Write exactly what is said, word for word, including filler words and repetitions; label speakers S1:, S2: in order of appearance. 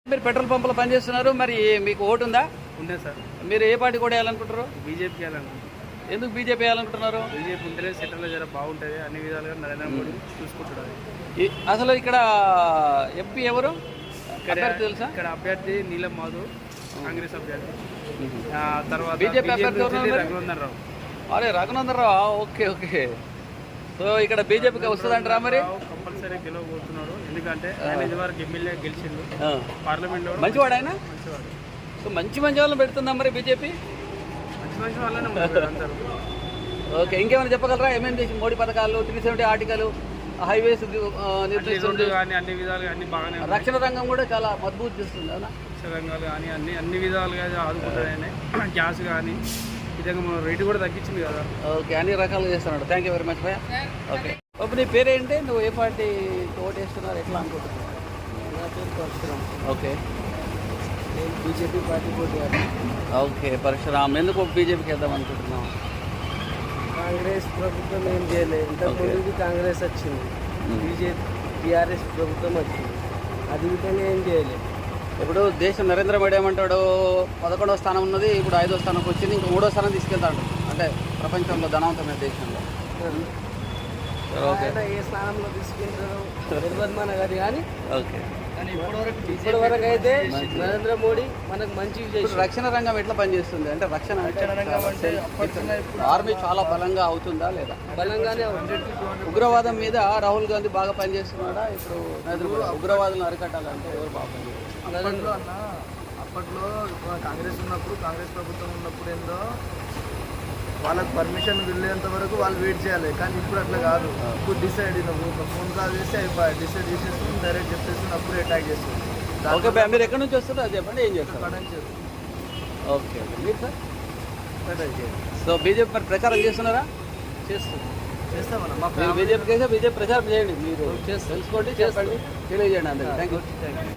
S1: మీరు పెట్రోల్ పంపులో పనిచేస్తున్నారు, మరి మీకు ఓటు ఉందా?
S2: ఉండే సార్.
S1: మీరు ఏ పార్టీ కూడా వేయాలనుకుంటారు?
S2: బీజేపీకి వేయాలనుకుంటున్నారు.
S1: ఎందుకు బీజేపీ వేయాలనుకుంటున్నారు?
S2: బీజేపీ ఉంటేనే సెంట్రల్లో జర బాగుంటుంది, అన్ని విధాలుగా నరేంద్ర మోడీ చూసుకుంటున్నారు.
S1: ఈ- అసలు ఇక్కడ ఎంపీ ఎవరు
S2: ఇక్కడ
S1: అభ్యర్థి తెలుసా?
S2: ఇక్కడ అభ్యర్థి నీలం మాధవ్, కాంగ్రెస్ అభ్యర్థి. ఆ తర్వాత
S1: బీజేపీ అభ్యర్థి ఎవరు ఉన్నారు?
S2: రఘునందన్ రావు.
S1: అరే Raghunandan Rao, okay okay. So ఇక్కడ బీజేపీకి వస్తుందంటారా మరి?
S2: కంపల్సరీ గెలవబోతున్నాడు, ఎందుకంటే ఆయన ఇదివరకు ఎమ్మెల్యే గెలిచిండు
S1: ఆ.
S2: పార్లమెంట్లో.
S1: మంచివాడు ఆయన.
S2: మంచివాడు.
S1: సో మంచి మంచి వాళ్ళని పెడుతుందా మరి బీజేపీ?
S2: మంచి మంచి వాళ్ళనే ఉన్నారు అందరూ.
S1: ఓకే, ఇంకేమైనా చెప్పగలరా? ఏమేమి చేసి మోడీ పథకాలు, త్రీ సెవెంటీ ఆర్టికల్, హైవేస్ నిర్మిస్తుంది,
S2: కానీ అన్ని విధాలుగా అన్ని బాగానే ఉన్నాయి.
S1: రక్షణ రంగం కూడా చాలా మజబూత్ చేస్తుంది అవునా?
S2: రంగాలు కానీ అన్ని అన్ని విధాలుగా ఆదుకుంటాయని, గ్యాస్ కానీ విధంగా మన రేటు కూడా తగ్గించింది కదా.
S1: ఓకే, అన్ని రకాలుగా చేస్తున్నాడు. థ్యాంక్ యూ వెరీ మచ్ భయ్యా. ఓకే, ఇప్పుడు నీ పేరేంటి? నువ్వు ఏ పార్టీ ఓటు వేస్తున్నారు, ఎట్లా అనుకుంటున్నావు?
S3: నా పేరు పరశురామ్.
S1: ఓకే,
S3: నేను బీజేపీ పార్టీ పోటీ
S1: ఓకే పరశురామ్, ఎందుకు బీజేపీకి వేద్దాం అనుకుంటున్నావు?
S3: కాంగ్రెస్ ప్రభుత్వం ఏం చేయలేదు. ఇంతకుముందు కాంగ్రెస్ వచ్చింది, బీజేపీ టీఆర్ఎస్ ప్రభుత్వం వచ్చింది, అది విధంగా ఏం చేయలేదు.
S1: ఇప్పుడు దేశం నరేంద్ర మోడీ ఏమంటాడు, పదకొండవ స్థానం ఉన్నది, ఇప్పుడు ఐదో స్థానంకి వచ్చింది, ఇంకా మూడో స్థానం తీసుకెళ్తాడు, అంటే ప్రపంచంలో ధనవంతమైన దేశంలో. ఓకే,
S3: ఆయన ఏ స్థానంలో తీసుకుంటారో తెలియదు మన గారి, కానీ
S1: ఓకే.
S3: ఇప్పటి వరకు అయితే నరేంద్ర మోడీ మనకు మంచి
S1: ఇప్పుడు రక్షణ రంగం ఎట్లా పనిచేస్తుంది? అంటే రక్షణ ఆర్మీ చాలా బలంగా అవుతుందా లేదా?
S3: బలంగానే ఉంది.
S1: ఉగ్రవాదం మీద రాహుల్ గాంధీ బాగా పనిచేస్తున్నాడా? ఇప్పుడు నరేంద్ర మోడీ ఉగ్రవాదులను అరికట్టాలంటే ఎవరు బాగా పనిచేస్తారు?
S3: అప్పట్లో అన్న అప్పట్లో కాంగ్రెస్ ఉన్నప్పుడు, కాంగ్రెస్ ప్రభుత్వం ఉన్నప్పుడు ఏందో వాళ్ళకి పర్మిషన్ వెళ్ళేంత వరకు వాళ్ళు వెయిట్ చేయాలి, కానీ ఇప్పుడు అట్లా కాదు. ఇప్పుడు డిసైడ్ నువ్వు ఒక ఫోన్ కాల్ చేస్తే అయిపోయి డిసైడ్ చేసేసి డైరెక్ట్ చెప్పేసి అప్పుడు అటాక్ చేస్తుంది.
S1: ఓకే భయ్యా, మీరు ఎక్కడి నుంచి వస్తారో అది చెప్పండి, ఏం చేస్తారు? ఓకే ఓకే, మీరు సార్? సో బీజేపీ మరి ప్రచారం చేస్తున్నారా?
S3: చేస్తాం చేస్తామన్నా. మా
S1: మీరు బీజేపీకి అయితే బీజేపీ ప్రచారం చేయండి, మీరు తెలుసుకోండి, చెప్పండి, తెలియజేయండి అందరికీ. Thank you.